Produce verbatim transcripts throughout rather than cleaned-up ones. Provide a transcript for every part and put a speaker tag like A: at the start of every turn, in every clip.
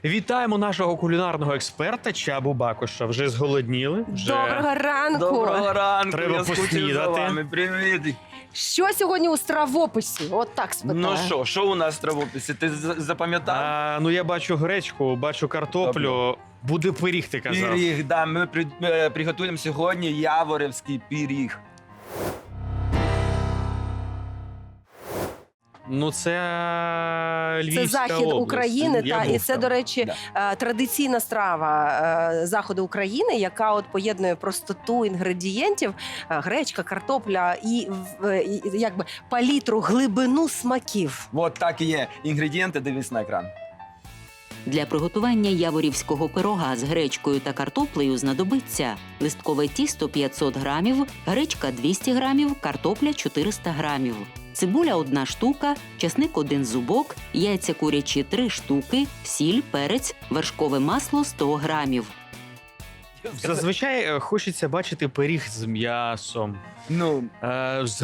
A: Вітаємо нашого кулінарного експерта Чабу Бакуша. Вже зголодніли? Вже...
B: Доброго ранку!
C: Доброго ранку,
A: Треба
C: я скучив за
A: поснідати.
C: вами. Привіт.
B: Що сьогодні у стравописі? От так спитаю.
C: Ну що, що у нас в травописі? Ти з- запам'ятав?
A: А, ну я бачу гречку, бачу картоплю. Буде пиріг, ти казав.
C: Пиріг, да, ми при, е, приготуємо сьогодні яворівський пиріг.
A: Ну це Львівська
B: Це захід
A: область.
B: України,
A: Я
B: та
A: був
B: і це,
A: там.
B: до речі,
C: Да.
B: е, традиційна страва е, заходу України, яка от поєднує простоту інгредієнтів, е, гречка, картопля і, в- і якби палітру, глибину смаків.
C: От так і є. Інгредієнти дивись на екран.
D: Для приготування яворівського пирога з гречкою та картоплею знадобиться листкове тісто п'ятсот грамів, гречка двісті грамів, картопля чотириста грамів, цибуля одна штука, часник один зубок, яйця курячі три штуки, сіль, перець, вершкове масло сто грамів.
A: Зазвичай е, хочеться бачити пиріг з м'ясом,
C: Ну,
A: е, з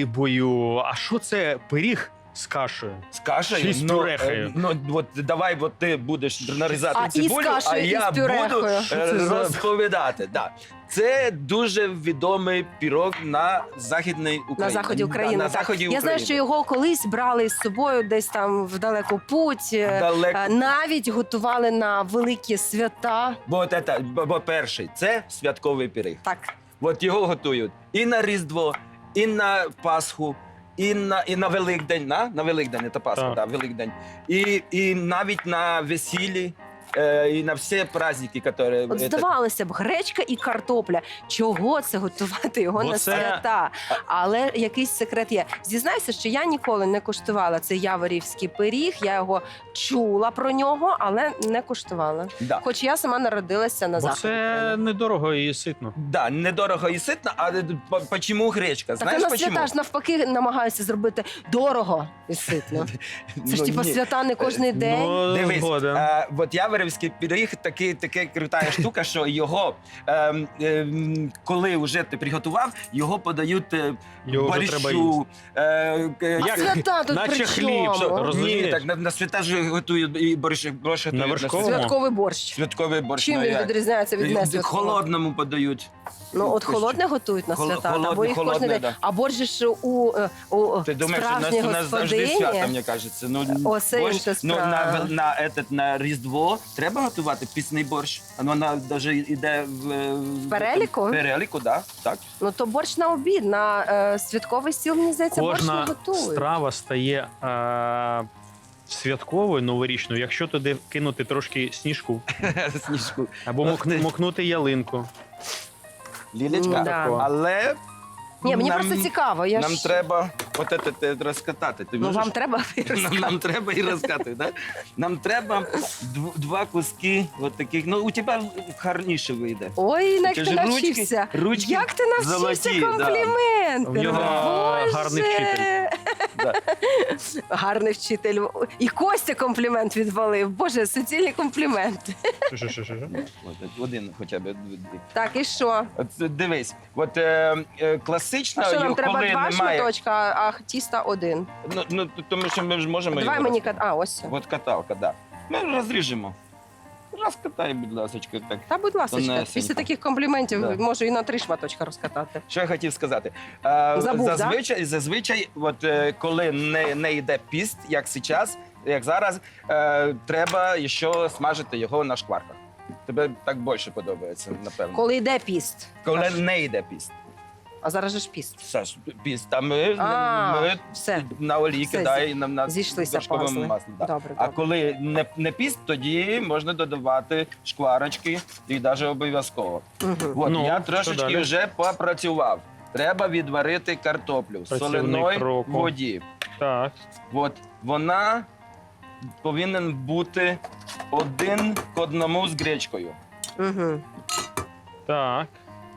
A: рибою. А що це пиріг з кашею?
C: з кашею.
A: Чи з
C: ну,
A: пюрехою?
C: е, Ну, от давай, от ти будеш нарізати
B: А, і з
C: цибулю, а
B: кашею, і
C: я
B: з пюрехою.
C: буду е,
A: Що це за-
C: розповідати. Да. Це дуже відомий пірог на Західній Україні.
B: На заході України.
C: Да, на
B: так.
C: заході
B: Я
C: України.
B: знаю, що його колись брали з собою десь там в далеку путь. е,
C: Далеко.
B: е, Навіть готували на великі свята.
C: Бо, от це, бо, бо перший це святковий пиріг.
B: Так,
C: От його готують і на Різдво, і на Пасху, і на, і на Великдень. На, на Великдень, це Пасха,
A: Так.
C: да, Великдень. І, і навіть на весіллі, е, і на всі праздники, які...
B: от здавалося б, гречка і картопля. Чого це готувати його
A: Бо
B: на
A: це-
B: свята? Але якийсь секрет є. Зізнайся, що я ніколи не куштувала цей яворівський пиріг. Я його чула про нього, але не куштувала.
C: Да.
B: Хоч я сама народилася на
A: Бо
B: заході.
A: це недорого і ситно.
C: Да, недорого і ситно, а по- почему гречка?
B: Так
C: Знаєш,
B: і на
C: почему?
B: свята ж навпаки намагаються зробити дорого і ситно. Це ж
C: Ну,
B: типа
C: ні.
B: свята не кожний день.
A: Ну,
C: Дивись,
A: згоден.
C: е, от яворівський пиріг такий, така крута штука, що його, е, е, коли вже ти приготував, його подають е,
A: Його вже треба їсти.
C: борщу. Е, е,
B: А
A: Як?
B: свята тут
A: Наче
B: при
A: хліб,
B: чому?
A: що, роз-
C: Ні,
A: Розумієш?
C: так на, на свята ж готують і борщ, борщ готують
A: На вершковому?
C: свята.
B: Святковий борщ.
C: Святковий борщ.
B: Чим
C: ну,
B: він
C: як?
B: відрізняється від
C: Е,
B: несвяткового?
C: Холодному подають.
B: Ну, от холодне готують на
C: Хол-
B: свята, або
C: холодне,
B: їх кожен
C: холодне,
B: день.
C: да.
B: А борщ же ж у, е, у
C: Ти думаєш, що у нас,
B: справжній
C: у нас завжди свято,
B: господині.
C: мені кажеться. Ну,
B: О, це
C: борщ,
B: інша
C: ну, на,
B: справа.
C: вел- на, этот, на Різдво треба готувати пісний борщ. Ну, вона навіть йде в, е, в
B: переліку?
C: В переліку, да, так.
B: Ну то борщ на обід, на е, святковий стіл, мені здається, борщ не
A: Кожна
B: готують.
A: страва стає е, святковою, новорічною, якщо туди кинути трошки сніжку
C: Сніжку.
A: або
C: Ох
A: мок-
C: ти.
A: мокнути ялинку.
C: Лілечка,
B: Да.
C: але
B: Ні, мені
C: нам,
B: просто цікаво. Я
C: нам
B: ж...
C: треба от це, те розкатати. Ти
B: Ну
C: можеш?
B: вам треба
C: Нам, нам треба і розкати, да? Нам треба дв- два куски от таких. Ну, у тебе гарніше вийде.
B: Ой, як
C: Ти
B: ти
C: ж ручки-
B: навчився.
C: ручки
B: Як ти навчився
C: золоті, да.
B: компліменти?
A: В нього
B: Боже!
A: гарний вчитель.
C: Да.
B: Гарний вчитель. І Костя комплімент відвалив. Боже, суцільні компліменти.
A: Що, що, що, що?
C: От, один хоча б.
B: Так, і що?
C: От, дивись, от е, е, класично,
B: А що нам треба
C: коли
B: два
C: немає...
B: шматочка, а тіста один?
C: Ну, ну, тому що ми ж можемо
B: Давай
C: його
B: мені
C: роз-
B: кат. А, ось.
C: От каталка, так. Да. Ми розріжемо. Розкатай, будь ласка, так.
B: Та, будь ласка,
C: Тонесенько.
B: після таких компліментів
C: Да.
B: можу і на три шматочка розкатати.
C: Що я хотів сказати? Е,
B: Забув,
C: зазвичай, зазвичай, от, е, коли не, не йде піст, як зараз, як зараз, е, треба ще смажити його на шкварках. Тебе так більше подобається, напевно.
B: Коли йде піст.
C: Коли
B: Кажуть.
C: не йде піст.
B: А зараз же ж піст.
C: Саш, піст, а ми,
B: А,
C: ми
B: все.
C: на олії
B: Все,
C: кидай на, на
B: зійшлися
C: вершковому
B: пазли.
C: маслі. Да.
B: Добре,
C: А
B: добре.
C: коли не, не піст, тоді можна додавати шкварочки і навіть обов'язково.
B: Угу.
C: От
A: Ну,
C: я
A: що
C: трошечки
A: далі?
C: вже попрацював. Треба відварити картоплю в
A: Працівник
C: соляної
A: року.
C: воді.
A: Так.
C: От вона повинен бути один к одному з гречкою.
B: Угу.
A: Так.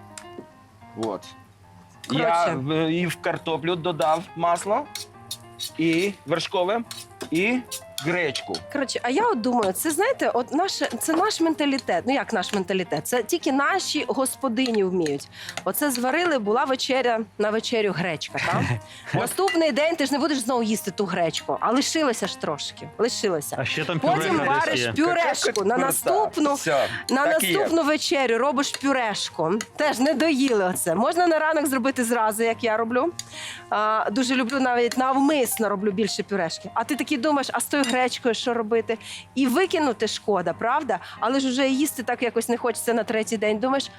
C: От.
B: Коротше.
C: Я в- і в картоплю додав масло, і вершкове, і гречку.
B: Коротше, а я от думаю, це знаєте, от наше, це наш менталітет. Ну як наш менталітет? Це тільки наші господині вміють. Оце зварили, була вечеря на вечерю гречка. Так? Наступний день ти ж не будеш знову їсти ту гречку, а лишилося ж трошки. Лишилося.
A: А ще там
B: Потім
A: пюре
B: вариш
A: є.
B: пюрешку на наступну.
C: Все,
B: На
C: так і є.
B: наступну вечерю робиш пюрешку. Теж не доїли оце. Можна на ранок зробити зразу, як я роблю. А, дуже люблю навіть навмисно роблю більше пюрешки. А ти такий думаєш, а з тою гречкою що робити? І викинути шкода, правда? Але ж вже їсти так якось не хочеться на третій день. Думаєш,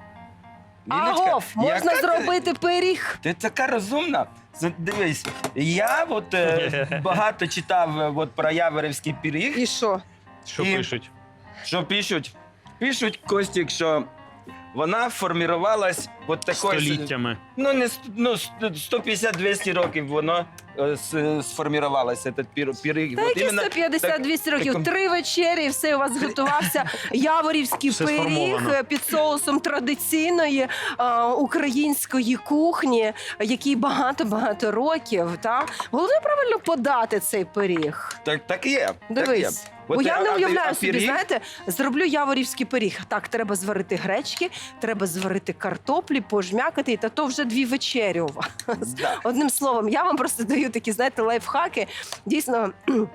C: Ліночка,
B: агов, можна
C: яка ти-
B: зробити пиріг.
C: Ти така розумна. З- Дивись, я от, е, багато читав е, от, про яворівський пиріг.
B: І що?
A: Що
C: І-
A: пишуть?
C: Що пишуть? Пишуть, Костік, що вона формувалась от такою...
A: Століттями.
C: Ну, не с- ну, сто п'ятдесят - двісті років воно е, с- сформувалося, цей пір- пиріг.
B: Та
C: От
B: які
C: іменно
B: сто п'ятдесят - двісті років?
C: таком-
B: Три вечері, і все, у вас готувався яворівський
A: Все
B: пиріг
A: сформовано.
B: е, під соусом традиційної е, української кухні, який багато-багато років. Та? Головне правильно подати цей пиріг.
C: Так, так і є. Так і є.
B: Дивись. Бо
C: От,
B: я
C: а-
B: не
C: а ти-
B: уявляю
C: а
B: собі,
C: пиріг?
B: знаєте, зроблю яворівський пиріг. Так, треба зварити гречки, треба зварити картоплі, пожмякати, та то вже дві вечері у вас.
C: Да.
B: Одним словом, я вам просто даю такі, знаєте, лайфхаки. Дійсно.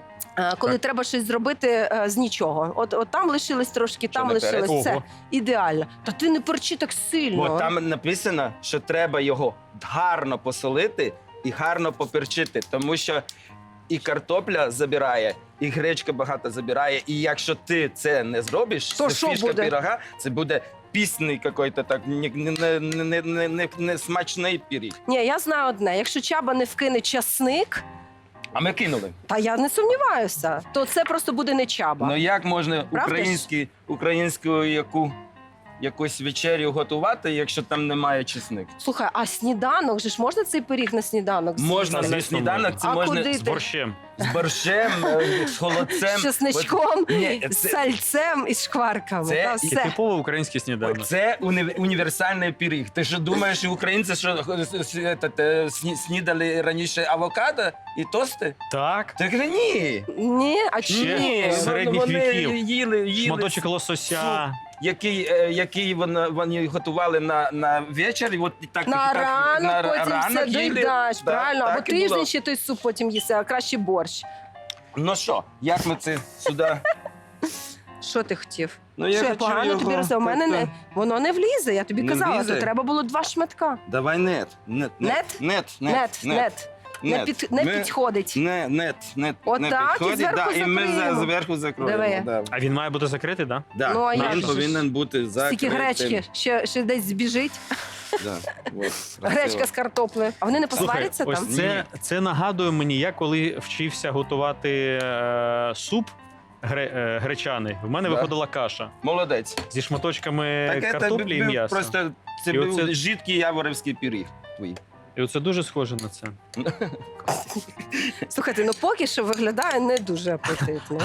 B: е, Коли
A: Так.
B: треба щось зробити е, з нічого. От, от там лишилось трошки, там
C: не
B: лишилось.
A: перець?
B: Це
A: Ого.
B: ідеально. Та ти не перчи так сильно.
C: Бо там написано, що треба його гарно посолити і гарно поперчити, тому що і картопля забирає, і гречка багато забирає. І якщо ти це не зробиш,
B: То
C: це
B: що
C: фішка
B: буде?
C: пирога, це буде пісний якийсь так не, не, не, не, не, не смачний пиріг.
B: Ні, я знаю одне. Якщо Чаба не вкине часник,
C: А ми кинули.
B: та я не сумніваюся, то це просто буде не Чаба.
C: Ну як можна
B: Правда ж?
C: українські, українську яку, якусь вечерю готувати, якщо там немає чесник?
B: Слухай, а сніданок же ж можна цей пиріг на сніданок з'їсти?
C: Можна на
A: Звісно,
C: сніданок,
A: можна.
C: це
B: А
C: можна
B: куди
A: З
B: ти?
A: борщем.
C: з борщем, е, з холодцем.
B: З чесничком,
C: От- Ні,
B: з
C: це-
B: сальцем і шкварками.
C: Це
B: Та
C: і
A: І
B: все.
A: типово український сніданок.
C: Це уні- універсальний пиріг. Ти що думаєш, що українці що с- с- этот, е, сні- снідали раніше авокадо і тости?
A: Так.
C: Так ні.
B: Ні, а
A: Ще
B: чому?
C: Ні,
A: з середніх
C: вони
A: віків.
C: їли, їли
A: Шматочок лосося.
C: який, е, який вони, вони готували на, на вечір. І от і так,
B: На
C: так,
B: ранок
C: на
B: потім
C: ранок
B: все
C: їли.
B: доїдаєш,
C: Да,
B: правильно? Або
C: так і було.
B: тиждень ще той суп потім їси, а краще борщ.
C: Ну що, як ми це сюди?
B: Що ти хотів?
C: Ну,
B: Що я
C: хочу
B: погано
C: його
B: тобі розумію? У мене не,
C: так-то.
B: воно не влізе, я тобі
C: Не
B: казала,
C: влізе?
B: то треба було два шматка.
C: Давай нет. Нет,
B: Нет?
C: нет,
B: Нет, нет. Не,
C: нет.
B: під, не
C: Ми-
B: підходить.
C: Не, нет, нет,
B: От
C: не
B: так, і
C: підходить,
B: зверху
C: да, і ми
B: закриємо.
C: за- зверху закроємо.
B: Диви.
C: Да.
A: А він має бути закритий, так?
C: Да.
B: Ну, а як
C: Він
B: же ж?
C: повинен бути закритим.
B: Стільки гречки, ще, ще десь збіжить.
C: Да. От,
B: Гречка
C: красиво.
B: з картоплею. А вони не
A: Слухай,
B: посваряться
A: ось
B: там?
A: це, це нагадує мені, я коли вчився готувати е, суп гре, е, гречаний, в мене
C: Да.
A: виходила каша
C: Молодець.
A: зі шматочками
C: Так, це
A: картоплі і
C: був
A: м'яса.
C: просто це
A: І
C: був
A: оце-
C: жидкий яворівський пиріг твій.
A: І оце дуже схоже на це.
B: Слухайте, ну поки що виглядає не дуже апетитно.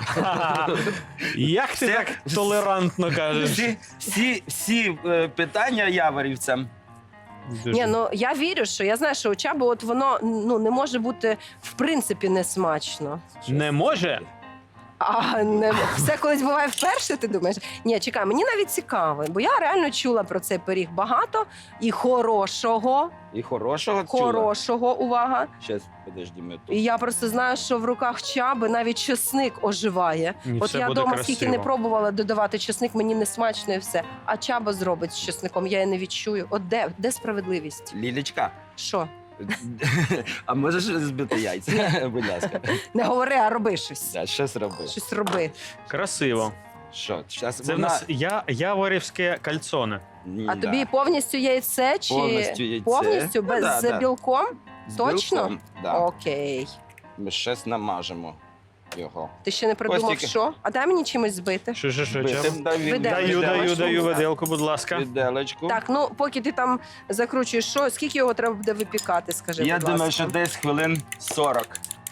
A: Як ти
C: Це-
A: так толерантно кажеш?
C: Всі, всі, всі е, питання яворівцям.
A: Дуже.
B: Ні, ну я вірю, що я знаю, що у Чаби от воно ну не може бути в принципі не смачно.
A: Не може?
B: А не все колись буває вперше. Ти думаєш? Ні, чекай, мені навіть цікаво, бо я реально чула про цей пиріг багато і хорошого,
C: І хорошого чула.
B: хорошого, увага.
C: Щас, подожди, ми тут.
B: І я просто знаю, що в руках Чаби навіть чесник оживає.
A: Ні,
B: От
A: все
B: я
A: буде
B: вдома
A: красиво.
B: скільки не пробувала додавати чесник, мені не смачно і все. А Чаба зробить з чесником, я її не відчую. От де, де справедливість?
C: Лілечка,
B: Що?
C: а можеш збити яйця, будь ласка.
B: Не говори, а роби щось.
C: Да, щось роби.
B: Щось роби.
A: Красиво.
C: Що, щас
A: Це в
C: вона-
A: нас я, яворівське кальцоне.
C: Ні,
B: А
C: да.
B: тобі повністю яйце чи
C: Повністю яйце.
B: повністю
C: Ну,
B: без
C: да,
B: з
C: да.
B: білком?
C: З
B: точно?
C: білком, Да.
B: Окей.
C: Ми щось намажемо його.
B: Ти ще не придумав,
C: Костік.
B: що? А дай мені чимось збити.
A: Що, що, що,
C: Бити,
A: чим?
C: дай він-
B: Виделочку.
A: Даю, даю,
B: Виделочку.
A: даю виделку, будь ласка.
C: Виделочку.
B: Так, ну поки ти там закручуєш, що скільки його треба буде випікати, скажи,
C: Я
B: будь
C: думаю,
B: ласка.
C: що десь хвилин сорок.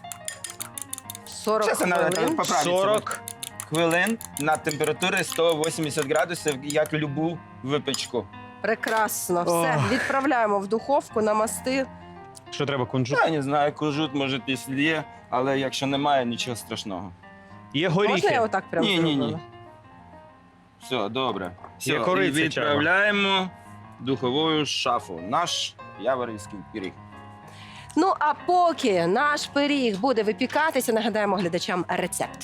B: сорок
C: Щас вона
B: хвилин.
C: поправиться.
A: сорок.
C: Хвилин на температурі сто вісімдесят градусів, як любу випічку.
B: Прекрасно.
A: Ох.
B: Все, відправляємо в духовку, намасти
A: Що треба, кунжут?
C: Я не знаю, кунжут, може, якщо є, але якщо немає, нічого страшного.
A: Є
B: Можна я
A: горіхи.
B: отак прямо
C: Ні, ні, ні.
B: зроблю?
C: Все, добре. Все,
A: Є
C: і
A: кориця,
C: відправляємо в духову шафу. Наш яворівський пиріг.
B: Ну а поки наш пиріг буде випікатися, нагадаємо глядачам рецепт.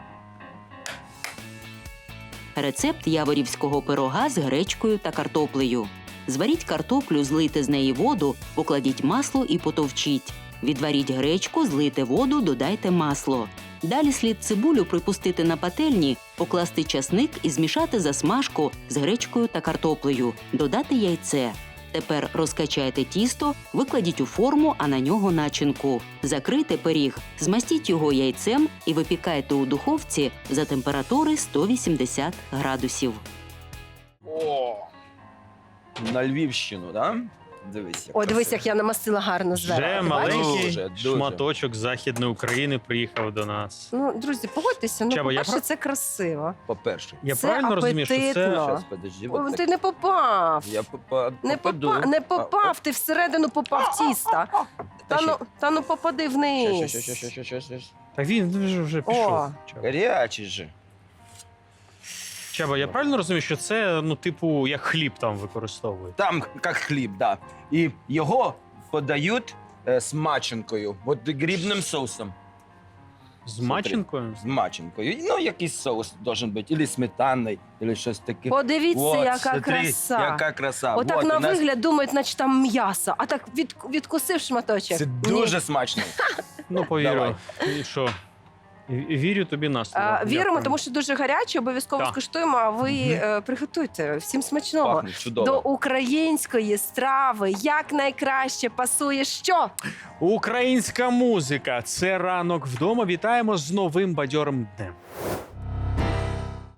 D: Рецепт яворівського пирога з гречкою та картоплею. Зваріть картоплю, злийте з неї воду, покладіть масло і потовчіть. Відваріть гречку, злийте воду, додайте масло. Далі слід цибулю припустити на пательні, покласти часник і змішати засмажку з гречкою та картоплею, додати яйце. Тепер розкачайте тісто, викладіть у форму, а на нього начинку. Закрийте пиріг, змастіть його яйцем і випікайте у духовці за температури сто вісімдесят градусів.
C: О! На Львівщину, да? Дивись. як
B: О, дивись,
C: красиво.
B: як я намастила гарно зверху.
A: Вже
B: Ти бачиш?
A: маленький
C: Дуже, дуже.
A: шматочок Західної України приїхав до нас.
B: Ну, друзі, погодьтеся, ну,
A: Чаба, я
B: по-перше,
A: прав?
B: це красиво.
C: По-перше.
A: Я
B: Це
A: правильно розумію, що це
B: апетитно.
C: Щас, подожди,
B: О,
C: от
B: ти
C: так.
B: не попав.
C: Я попа...
B: Не,
C: попаду.
B: попа... не попав, ти всередину попав тіста. Та
C: ще.
B: ну, та ну попади вниз.
C: Щас, щас, щас, щас, щас, щас.
A: Та він вже, вже пішов.
B: О.
A: Чаба.
C: Гарячий же.
A: Чаба, я правильно розумію, що це, ну, типу, як хліб там використовують?
C: Там як хліб, да. І його подають е, з маченкою, от грибним соусом.
A: З маченкою?
C: З маченкою. Ну, якийсь соус должен бути, або сметанний, або щось таке.
B: Подивіться,
C: Вот,
B: яка
C: смотри,
B: краса.
C: Яка краса.
B: Отак
C: Вот,
B: на
C: у нас
B: вигляд думають, наче там м'ясо, а так від, відкусив шматочок.
C: Це
B: Ні.
C: дуже смачно.
A: Ну, повірю.
C: Давай.
A: І що? І- і Вірю тобі на слово.
B: А, віримо,
A: Дякую.
B: тому що дуже гаряче, обов'язково
A: Так.
B: скуштуємо, а ви
A: Мгм.
B: е, приготуйте. Всім смачного.
C: Пахне чудово.
B: До української страви як найкраще пасує що?
A: Українська музика. Це ранок вдома. Вітаємо з новим бадьорим днем.